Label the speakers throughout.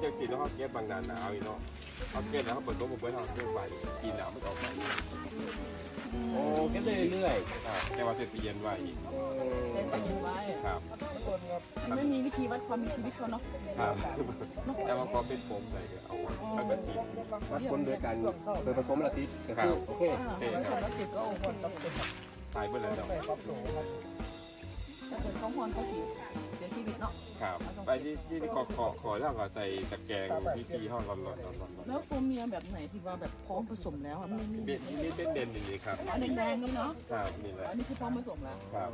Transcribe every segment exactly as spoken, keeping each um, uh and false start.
Speaker 1: จังสีแล้วเขาเก็บบางนานหนาวอีกเนาะเขาเก็บแล้วเขาเปิดตัวบุกเบิ้ลเขาเก็บใบกินหนาวมันออกไปโอ้เก็บได้เรื่อยๆอ่าแต่ว่าเสร็จเย็นไว้อีก
Speaker 2: เล่นไปยินไว้
Speaker 1: ครับ
Speaker 2: มันไม่มีวิธีวัดความมีชีวิตเขาเนาะ
Speaker 1: ครับแต่ว่าพอเป็นผมใส่ก็เอาไว้ปกติ
Speaker 3: วัดคนโดยการโดยผสมละติก็คือโอเค
Speaker 2: อ่าคนละสิบก็โอ้โห
Speaker 1: ตายเบิ้ลแล้วเนาะ
Speaker 2: ถ้าเกิดเขาพรเขาเสียเสียชีวิตเนาะ
Speaker 1: ครับไปที่ที่ขอขอขอแล้วก็ใส่ตะแกรงที่ที่ห้องร้อนร้อนร้อนร้อน
Speaker 2: แล้วตัวเมียแบบไหนที่ว่าแบบพร้อมผสมแล้วอ่ะไม่ไม่
Speaker 1: เบ็ดนี่เป็นเด่นนี่ครับ
Speaker 2: อันแดงๆนี่เนาะ
Speaker 1: ครับนี่แหละ
Speaker 2: อันนี้คือพร้อมผสมแล้ว
Speaker 1: ครับ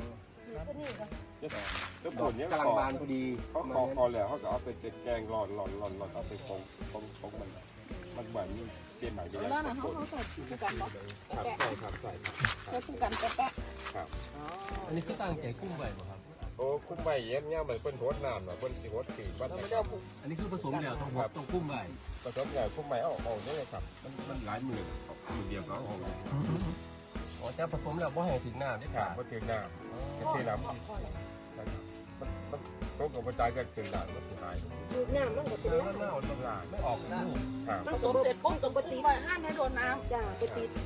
Speaker 1: ก็ผลเนี้ย
Speaker 3: กำลังบานพอดี
Speaker 1: เขาขอขอแล้วเขาก็เอาไปแกงร้อนร้อนร้อนร้อนเอาไปฟองฟองฟองมันมันเหมือนเจนใหม่ไป
Speaker 2: แล้วนะเขาเขาใส่คู่กันเนาะ
Speaker 1: ครับใส่ครับใส่
Speaker 2: ใส่คู่กันแปะ
Speaker 1: ครับ
Speaker 3: อันนี้คือตั้งใจกุ้งใบบ่ครับ
Speaker 1: โอ้คุ้มใบเย็บเนี่ยเหมือนเป็นโทษน้ำเนาะเป็นสีโทษสีวัด
Speaker 2: เราไม่ได้เอา
Speaker 3: อันนี้คือผสมแล้วต้องต้องกุ้งใบ
Speaker 1: ผสมใหญ่คุ้มใบเอาออกนี่เลยครับมันมันหลายหมื่นหมื่นเดียวก็เอาออก
Speaker 3: อ๋อจะผสมแล้วบ่ให้ถึงน้ำได้
Speaker 1: ครั
Speaker 3: ค่ะ
Speaker 1: บก็ถึงน้ำก็ถึงน้ำมันมันมันตรงกับกระจายกันถึงน้ำมันเสียหาย
Speaker 4: ดูน้ำมันก็เป็น
Speaker 1: มัน
Speaker 4: น้ำ
Speaker 1: เน่าต้นลาไม่ออกนะครั
Speaker 2: ผสมเสร็จปุ๊บต้องไปตีไว้ห้ามให้โดนน้
Speaker 4: จ้าไปติด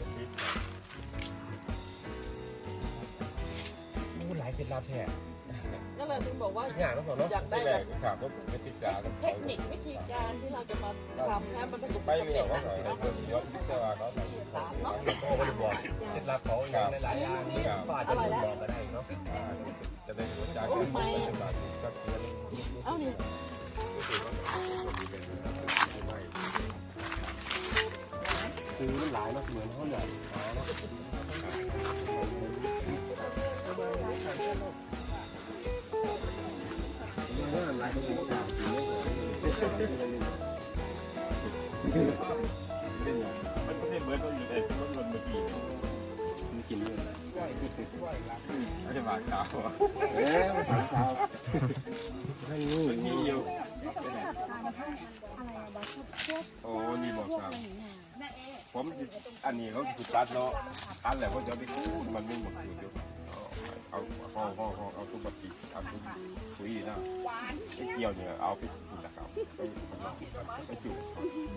Speaker 3: มูหลายเป็นลาแท้
Speaker 2: ำนั่นแหละถึงบอกว่า
Speaker 3: อย่างนั้นเนาะ
Speaker 2: อยากได้
Speaker 1: ได้
Speaker 2: แบ
Speaker 1: แบบ บครับก็ผมไม่ติดสา
Speaker 2: เทคนิควิธีการที่เราจะมาทำให้มันประสบค
Speaker 1: ไม่
Speaker 2: วาม
Speaker 1: เหนี
Speaker 2: สำ
Speaker 1: ยว
Speaker 2: เร็จ
Speaker 1: ว่า
Speaker 2: นะ
Speaker 1: สีน้ำเงินเยอะที่ว่าเนาะ
Speaker 2: สามเนาะ
Speaker 3: โอ้บริบทเคล็ดลับเขาอย่างหลายๆอย่างก็อาจจะบ่บอกก็ได้เนาะ
Speaker 1: จะได้หัวใจกันเป็นบาทก็คือ
Speaker 2: เอ้านี่
Speaker 3: คือมันหลายมากเหมือนเขาเนี่ยหลายตัวต่าง
Speaker 1: มันก็ไม่เหมือนตัวอยู่ในรถยนต์เมื่อกี้
Speaker 3: มันกินเยอะ
Speaker 1: ไม่ใช่บาทขาว
Speaker 3: เอ๊ะถามเขาให้นี่
Speaker 1: มันมีอยู่โอ้นี่บอกครับผมอันนี้เขาถูกตัดเนาะตัดแล้วก็จะไปคูดมันไม่หมดอยู่เอาเอาเอาเอาเอาทุกบัตรเอาทุกสุยนะไอ้เกี่ยวเนี่ยเอาไปกินนะครับไปจุด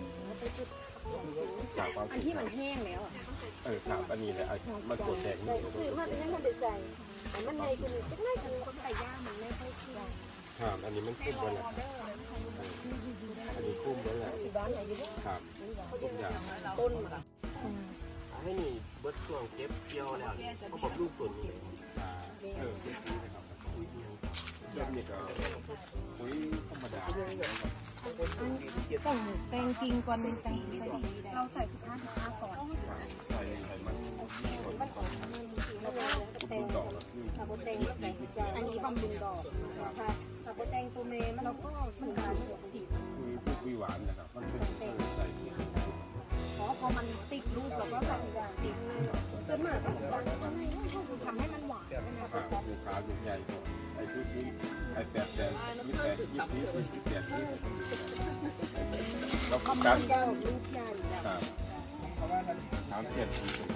Speaker 1: ครับ
Speaker 4: อันที่มันแห้งแล้วอ่ะ
Speaker 1: เออครับอันนี้แหละมันกดแดงนี่
Speaker 4: คือมันให้มันได้ใส่แต่มันในคือจะไม่คือคนไก่ย่างมันไม่ค่อยเคี่ยว
Speaker 1: ครับอันนี้มันคุ้มแล้วแหละอันนี้คุ้มแล้วแหละ
Speaker 4: ที่บ้านไหนอยู่เนี่ย
Speaker 1: ครับทุกอย่าง
Speaker 4: ต้น
Speaker 3: ให้นี่เบิร์ดช่วงเก็บเกี่ยวแล้วเขาบอกลูกส่วนนี้
Speaker 1: เออเริ่มนี่ก็ปุ๋ยธรรมดา
Speaker 4: ต้องแปลงจริงก่อนเป็นแปลงใส่เราใส่สิบห้าสิบห้าก่อน
Speaker 1: ใส่ใส่มัน
Speaker 4: มันออกมันสีแล้วก็แปลง
Speaker 1: ดอกแล้วคือ
Speaker 4: ถ้าโบแตงอันนี้บำรุงดอกค่ะถ้าโบแตงตัวเมย์มันเราก็มันการเสียสี
Speaker 1: คือพวกวิหวานนะครับมันเป็นใส่
Speaker 4: เพราะพอมันติดรูปเราก็ใส่ติดส่วนมากก็จะทำให้มันหวาน
Speaker 1: ขาลูกขาลูกใหญ่ไอ้ที่ที่ไอ้แปดแสนยี่แปดยี่สิบยี่แปดยี่แล้ว
Speaker 4: คอม
Speaker 1: กั
Speaker 4: มัน นเจ้าลูกใหญ่
Speaker 1: ครับถามเสียด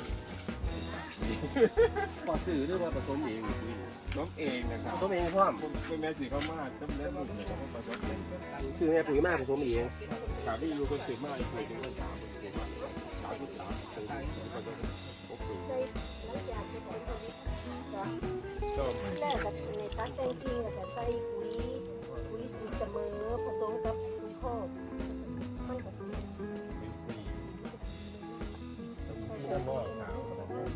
Speaker 3: พอซื้อหรือว่าผสมเอง
Speaker 1: น้องเองนะครับ
Speaker 3: ผสมเองพร้อม
Speaker 1: เป็นแม่สีเขามากต้มเล็บหนุ่มเนี่ยเขาผสมเอง
Speaker 3: ซื้อแม่ปุ๋ยมากผสมเอง
Speaker 1: ขาที่อยู่คนสืบมากอีกคนที่คนสามคนสืบมากสามที่สามคนผสมหกสูง
Speaker 4: ใส่แล้วอยากจะเป็นตัวนี้จ้ะ
Speaker 1: ก็
Speaker 4: แต่กับในตัดแต่งจริงกับใส่ปุ๋ยปุ๋ยสูตรเสมอผสมกับปุ๋ยคอกมันก็
Speaker 1: เป็นฟรีที่ด้านนอกขาว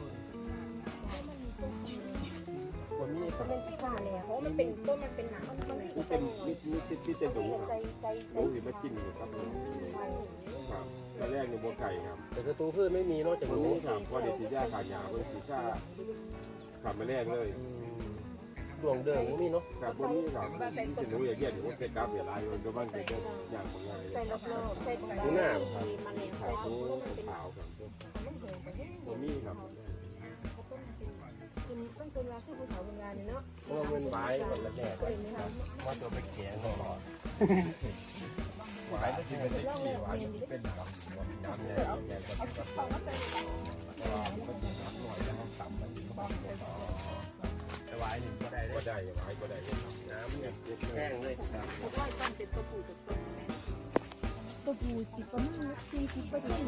Speaker 1: คนนี้ครับ
Speaker 4: เป็นที่ว่าเลยเพราะมันเป็นต้นมันเป็นหนังมันมันไม่
Speaker 1: ที่
Speaker 4: ใช่
Speaker 1: เป็นนี่นี่ที่จะดูครับ
Speaker 4: ใส่ใส่
Speaker 1: ดู
Speaker 4: ใส่
Speaker 1: หรือมากินอยู่ครับครับตอนแรกในบัวไก่ครับ
Speaker 3: แต่ศัตรูพืชไม่มีนอกจาก
Speaker 1: ตรง
Speaker 3: หนู
Speaker 1: นี้ครับว่าเดี๋ยวสีย่าขาดยาเป็นสีย่าขับมาแรกเลย
Speaker 3: ดวงเดิมไม่มีเนาะ
Speaker 1: ครับวันนี้ครับที่จะรู้อย่างเงี้ยเดี๋ยวเซกับเดี๋ยวลายมันก็บ้านเกิดอย่างของงาน
Speaker 4: ใส่รอบๆใส่ตรง
Speaker 3: หนูหน้าครับ
Speaker 4: มันเอง
Speaker 1: ขา
Speaker 4: ใส่
Speaker 1: ว
Speaker 4: ต้
Speaker 1: ตัวน
Speaker 4: มันเป็น
Speaker 1: ขาวครับตัวนี้ครับ
Speaker 4: คุณต้องเป็นราคือภูเขาโบราณเนาะ
Speaker 3: เพราะว่ามันไว้มันละแดดว่าตัวไปแข็งตลอด
Speaker 1: หวายที่เป็นที่หวายที่เป็นน้ำน้ำใหญ่ใหญ่ก็ต้องก็ว่ามันก็จะน้ำหน่อยแล้วต่ำมันถึงบ้านก็ต่อ
Speaker 3: แต่ไว้หนึ่งก็ได้
Speaker 1: ก็ได้หวายก็ได้น้ำเนี่ย
Speaker 3: แห้งเลยครับ
Speaker 4: เพราะว่าต้นเป็นตัวผู้ตัวต้นสิประมาณสี่สิบเปอร์เซ็นต์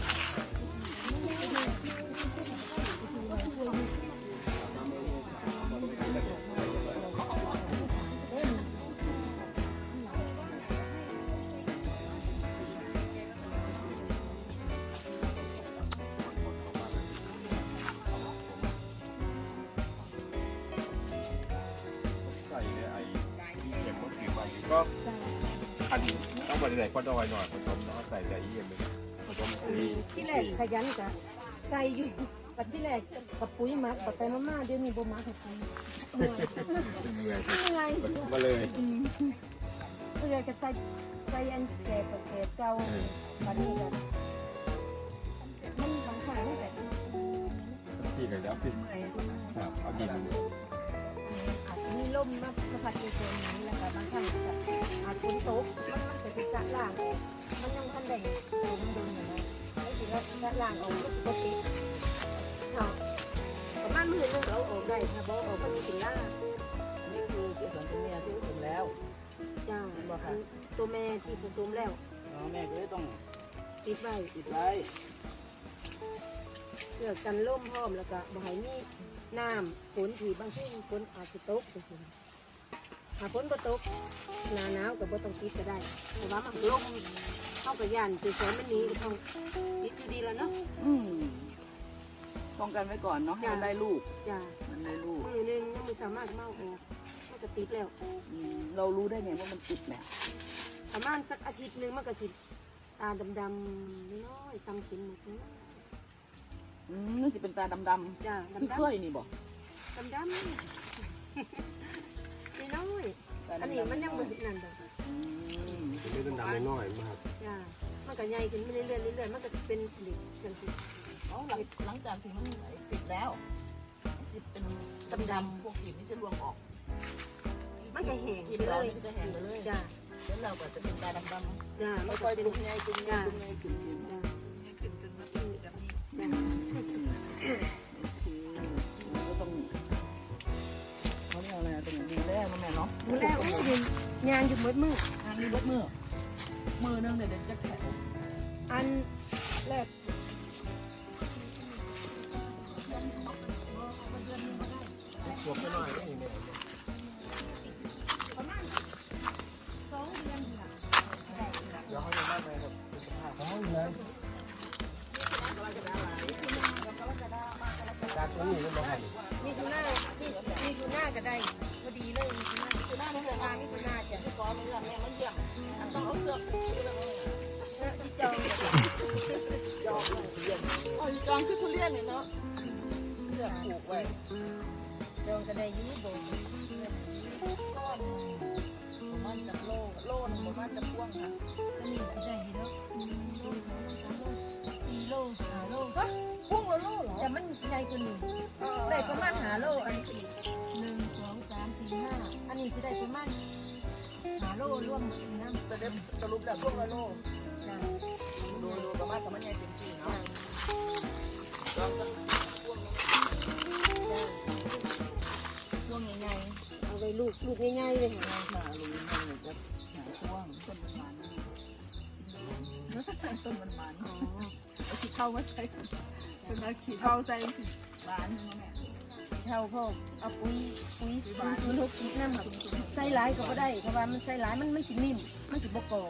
Speaker 1: ใส่เนี่ยไอ้เก็บก็ถือไปก็อันต้องมาใส่ก้อนดอยหน่อยผสมแล้วใส่ใจเยี่ยมเลยผสมสี
Speaker 4: ที่แรกขยันกะใส่อยู่กับที่แรกกับปุ๋ยหมักกับไปมาๆเดี๋ยวนี้บ่หมักให้ปุ๋ยเหนื่อย
Speaker 1: เหนื่อย
Speaker 4: เหนื่อย
Speaker 1: ผสมมาเลย
Speaker 4: เพื่อจะใส่ใส่อันแก่กับแก่เก่าบัดนี้ก็มันบางครั้งแต่
Speaker 1: ที่เลยแล้วพี่ครับเอาดิน
Speaker 4: อาจจะมีลมมามาพัดในตัวนี้แล้วก็บางครั้งก็อาจฝนตกมันมันจะเป็นสะล่างมันยังทันได้สูงโดนอยู่นะไอ้ที่ว่าสะล่างออกมันปกติค่ะประมาณมื้อนึงเราออกได้ค่ะบ่ออกมันสิล่า
Speaker 2: นี่คือเกสรตัวเมียที่ผสมแล้ว
Speaker 4: จ้าตัวแม่ที่ผสมแล้ว
Speaker 2: อ๋อแม่ก็เลยต้อง
Speaker 4: ติดไว้
Speaker 2: ติดไว้
Speaker 4: เพื่อกันล่มพร้อมแล้วก็บ่ให้มีน้ำฝนที่บางทีฝนอาจจะตกจังซี่ถ้าฝนบ่ตกหน้าหนาวก็บ่ต้องติดก็ได้แต่ว่ามันลมเข้ากับย่านคือฝนมันหนีก็ต้องติดอยู่ดีแล้วเนาะ
Speaker 2: อืมป้องกันไว้ก่อนเนาะให้มันได้ลูก
Speaker 4: จ้า
Speaker 2: มันได้ลูก
Speaker 4: มือหนึงยังไม่สามารถเมาออกมันก็ติดแล้ว
Speaker 2: อืมเรารู้ได้ไงว่ามันติดแม่
Speaker 4: ประมาณสักอาทิตย์หนึงมันก็สิตาดำๆน้อยๆสังเข็มหมดเลย
Speaker 2: อืมนี่จะเป็นตาดำ
Speaker 4: จ้า
Speaker 2: ๆคือ
Speaker 4: ดำ
Speaker 2: เคยนี่บอก
Speaker 4: ๆดำๆน้อยๆอันนี้มันยังบ่เห็นนั่นดอก
Speaker 2: อืม
Speaker 1: นี่เป็นดำน้อยมาก
Speaker 4: จ้ามันก็ใหญ่ขึ้นเรื่อยๆเรื่อยๆมันก็จะเป็นเหล็กจังสิ
Speaker 2: อ๋อหลังหลังจากที่มันติดแล้วจิตเป็นดำๆพวกกลีบนี่จะรวงออก
Speaker 4: มันก็แห้ง
Speaker 2: กลีบ
Speaker 4: ไปเล
Speaker 2: เรา
Speaker 4: ย
Speaker 2: นี่จะแห้งไปเลย
Speaker 4: จ้า
Speaker 2: แล้วเราก็จะเป็นตาดำ
Speaker 4: จ้า
Speaker 2: ๆ
Speaker 4: มัน
Speaker 2: ค่
Speaker 4: ก็
Speaker 2: อย
Speaker 4: เป็
Speaker 2: ๆ
Speaker 4: น
Speaker 2: ลุกไงลุกไงลุกไงขึ้นขึ้น
Speaker 4: จ้า
Speaker 2: ขึ้นจนมาเป็นแบบนี้
Speaker 4: จ้า
Speaker 2: คือก็ต้องเขาเรียกอะไรตรงนี้แรกนะแม่เนาะ
Speaker 4: ดูแลโอ้ยยืนยางอยู่หมดมือ
Speaker 2: ทางนี้เบิดมือมือนึงเดี๋ยวจะแข็ง
Speaker 4: อันแรก
Speaker 1: ขวบก็น้อยนี่แม่
Speaker 4: ประมาณสองเดือนค่ะ
Speaker 1: เดี๋ยวเขาจะได้ไปครับเขาเลยจากตัวนี้ก็มาให้
Speaker 4: มีทูน่ามีมีทูน่าก็ได้พอดีเลยมีทูน่ามีทูน่าไม่เคยมามีทูน่าจ้ะ
Speaker 2: ก้อนมันแม่มันเยี่ยมอันต้องเอาเสื้อผูกที่เรา
Speaker 4: ที่จอง
Speaker 2: จองเยี่ยมอ๋อจองคือทุเรียนเนี่ยเนาะเสื้อผูกไว้
Speaker 4: จองก็ได้อยูโบน
Speaker 2: ก้อนประมาณจะโลโลนึงประมาณจะพ่วงค่ะ
Speaker 4: อันนี้สิได้อยู่เนาะโลสองโลสามโลสี่โลห้าโล
Speaker 2: ฮะพ่วงละโลเหรอ
Speaker 4: แต่มันสิได้กว่านี้ได้ประมาณห้าโลอันนี้หนึ่งสองสามสี่ห้าอันนี้สิได้ประมาณห้าโลรวมน้ำ
Speaker 2: แต่เด็บสรุปแล้วพ่วงละโล
Speaker 4: จ้ะ
Speaker 2: ดูดูประมาณสมัยใหญ่เต็มที่เนาะจองกันพ่วง
Speaker 4: จ้ะ
Speaker 2: พ่วงใหญ่
Speaker 4: เอาไว้ลูกลูกง่ายๆเลย
Speaker 2: ๆ
Speaker 4: ค่ะ
Speaker 2: มาลุยมันเลยจะหาพ่วงต้นมันมันต้นมันมัน
Speaker 4: อ๋อ
Speaker 2: เอาขี้เข้ามาใส่เป็นเอาขี้เข้าใส่สิบานนึงแม่
Speaker 4: เช่าพ่อเอาปุ๋ยปุ๋ยศูนย์ศูนย์หกสิบน้ำครับใส่หลายก็บ่ได้เพราะว่ามันใส่หลายมันมันสินิ่มมันสิบ่กรอบ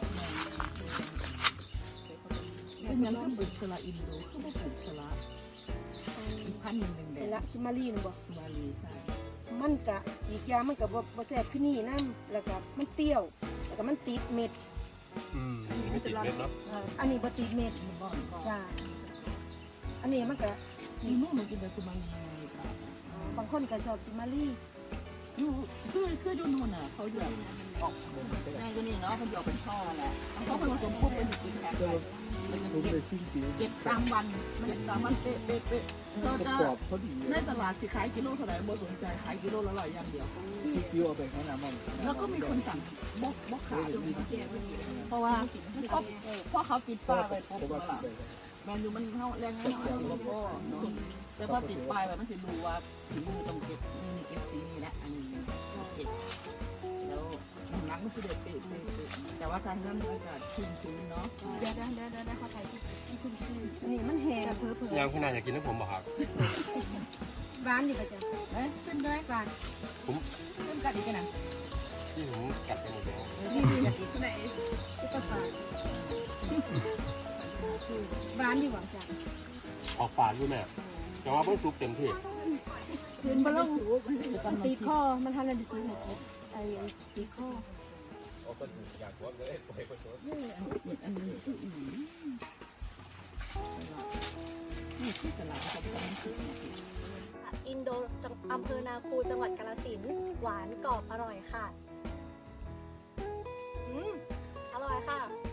Speaker 2: เป็นยังก็ปลูกสละอินโดก็ไม่ปลูกสละอีกพันหนึ่งหนึ่ง
Speaker 4: ใส่
Speaker 2: เด็
Speaker 4: ละซิมารีนบ่
Speaker 2: สมาลีใช่
Speaker 4: มันกะอีกอย่างมันก็บ่บ่แซ่บคือนี่น้ำแล้วก็มันเปรี้ยวแล้วก็มันติดเม็ด
Speaker 1: อืมไม่ติดเม็ดเนาะ
Speaker 4: อันนี้บ่ติดเม็ด
Speaker 2: บ้านก็
Speaker 4: จ้าอันนี้มันก็
Speaker 2: ซีโน่มันกินแต่สมาลีจ้ะ
Speaker 4: บางคนก็ชอบซิมารี
Speaker 2: อยู่คือคืออยู่นู่นน่ะเขาจะออกในตัวนี้เนาะเขาจะออกเป็นช่อแหละเขาผสมพวกเป็นกินแพ็คไปมันจะเก็บเก็บตามวันเก็บตามวันเป๊ะเป๊ะเป๊ะเราจะในตลาดสิขายกิโลเท่าไหร่บ่สนใจขายกิโลละร้อยอย่างเดียว
Speaker 5: คิวเอาไปข้างหน้ามัน
Speaker 2: แล้วก็มีคนสั่งบกบกขายเพราะว่าเพราะเพราะเขาติดป้ายไว้ปุ๊บล่ะแมนยูมันเข้าแรงให้หน่อยแล้วก็แต่พอติดป้ายไว้มันจะดูว่าถึงมือต้องเก็บนี่เก็บสีนี่แหละอันนี้เก็บแล้วหลังมันจะเด็ดเป๊ะแต่ว่าทางนั้นอากาศชื้นๆเนาะ
Speaker 4: เดี๋ยวเดี๋ยวเดี๋ยวเดี๋ยวเข้าใจที่ชุ่มชื่นอันนี้มันแห้งเผลอเผล
Speaker 3: ยังพี่นายอยากกินน้ำผมบ่ครับ
Speaker 4: หวานอยู่ปะจ๊ะ
Speaker 2: เอ้ยขึ้นเลยก่อนขึ้นกันอีกนะ
Speaker 3: ที่ผมกัดไปหมดแล้ว
Speaker 2: นี่อยากกินที่ไหน
Speaker 4: ซุปเปอร์ฟาร์หวานอยู่หวานจ้ะ
Speaker 3: ออกฝาดด้วยแม่แต่ว่าเพิ่งซุปเต็มที่
Speaker 4: คืนบะลง
Speaker 2: สูบมัน
Speaker 4: ตีข้อมันทำอะไรดิซื้อหมดไอ้ตีข้อ
Speaker 1: เอาคนอยากว่าเลยไปคน
Speaker 2: อันนี้คืออีนี่คือตลาดเขาทำสุด
Speaker 6: อินโดจังอำเภอนาคูจังหวัดกาฬสินธุ์หวานกรอบอร่อยค่ะ อืม อร่อยค่ะ